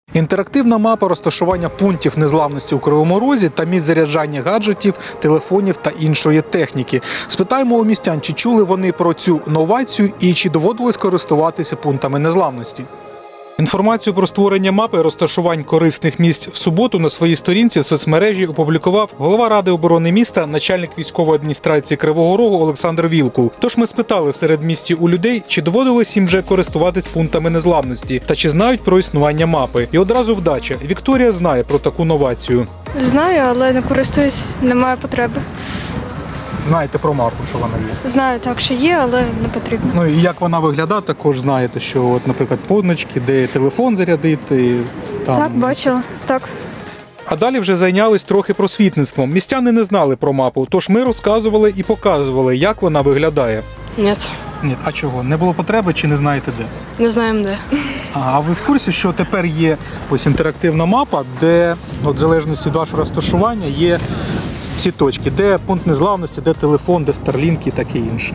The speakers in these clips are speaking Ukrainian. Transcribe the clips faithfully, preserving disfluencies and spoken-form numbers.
Інтерактивна мапа розташування пунктів незламності у Кривому Розі та місць заряджання гаджетів, телефонів та іншої техніки. Спитаємо у містян, чи чули вони про цю новацію і чи доводилось користуватися пунктами незламності. Інформацію про створення мапи розташувань корисних місць в суботу на своїй сторінці в соцмережі опублікував голова Ради оборони міста, начальник військової адміністрації Кривого Рогу Олександр Вілкул. Тож ми спитали в середмісті у людей, чи доводилось їм вже користуватись пунктами незламності та чи знають про існування мапи. І одразу вдача. Вікторія знає про таку новацію. Знаю, але не користуюсь, немає потреби. Знаєте про мапу, що вона є? Знаю, так, що є, але не потрібно. Ну і як вона виглядає, також знаєте, що, от, наприклад, позначки, де телефон зарядити. Там... Так, бачила, так. А далі вже зайнялись трохи просвітництвом. Містяни не знали про мапу, тож ми розказували і показували, як вона виглядає. Ні, Ні, а чого? Не було потреби чи не знаєте де? не знаємо де. А, а ви в курсі, що тепер є ось інтерактивна мапа, де, от, в залежності від вашого розташування, є всі точки, де пункт незламності, де телефон, де Starlink і таке інше.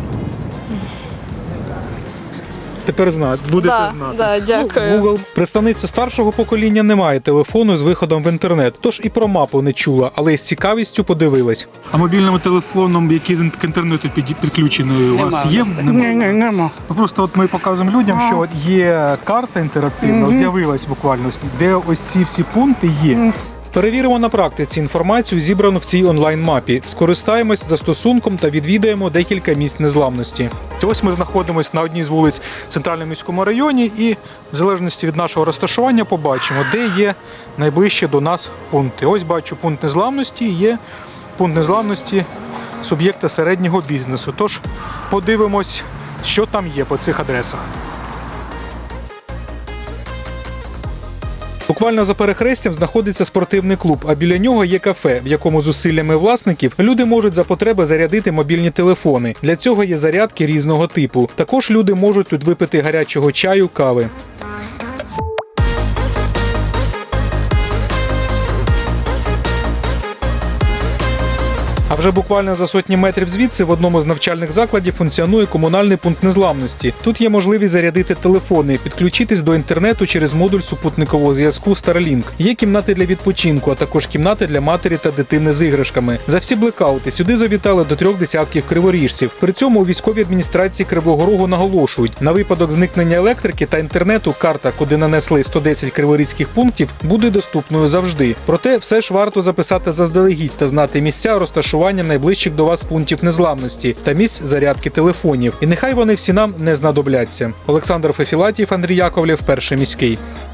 Тепер знаєте, будете Да, знати. да, дякую. Ну, Google. Представниця старшого покоління не має телефону з виходом в інтернет, тож і про мапу не чула, але з цікавістю подивилась. А мобільним телефоном, який з інтернету підключений, у вас є? Ні, ні, нема. Ну, просто от ми показуємо людям, що от є карта інтерактивна, mm-hmm. з'явилась буквально, де ось ці всі пункти є. Mm. Перевіримо на практиці інформацію, зібрану в цій онлайн-мапі. Скористаємось застосунком та відвідаємо декілька місць незламності. Ось ми знаходимося на одній з вулиць в Центральному міському районі і в залежності від нашого розташування побачимо, де є найближчі до нас пункти. Ось бачу пункт незламності, є пункт незламності суб'єкта середнього бізнесу. Тож подивимось, що там є по цих адресах. Буквально за перехрестям знаходиться спортивний клуб, а біля нього є кафе, в якому зусиллями власників люди можуть за потреби зарядити мобільні телефони. Для цього є зарядки різного типу. Також люди можуть тут випити гарячого чаю, кави. А вже буквально за сотні метрів звідси в одному з навчальних закладів функціонує комунальний пункт незламності. Тут є можливість зарядити телефони, підключитись до інтернету через модуль супутникового зв'язку Starlink. Є кімнати для відпочинку, а також кімнати для матері та дитини з іграшками. За всі блекаути сюди завітали до трьох десятків криворіжців. При цьому у військовій адміністрації Кривого Рогу наголошують, на випадок зникнення електрики та інтернету карта, куди нанесли сто десять криворізьких пунктів, буде доступною завжди. Проте все ж варто записати заздалегідь та знати місця розташування найближчих до вас пунктів незламності та місць зарядки телефонів. І нехай вони всі нам не знадобляться. Олександр Фефілатів, Андрій Яковлєв, Перший міський.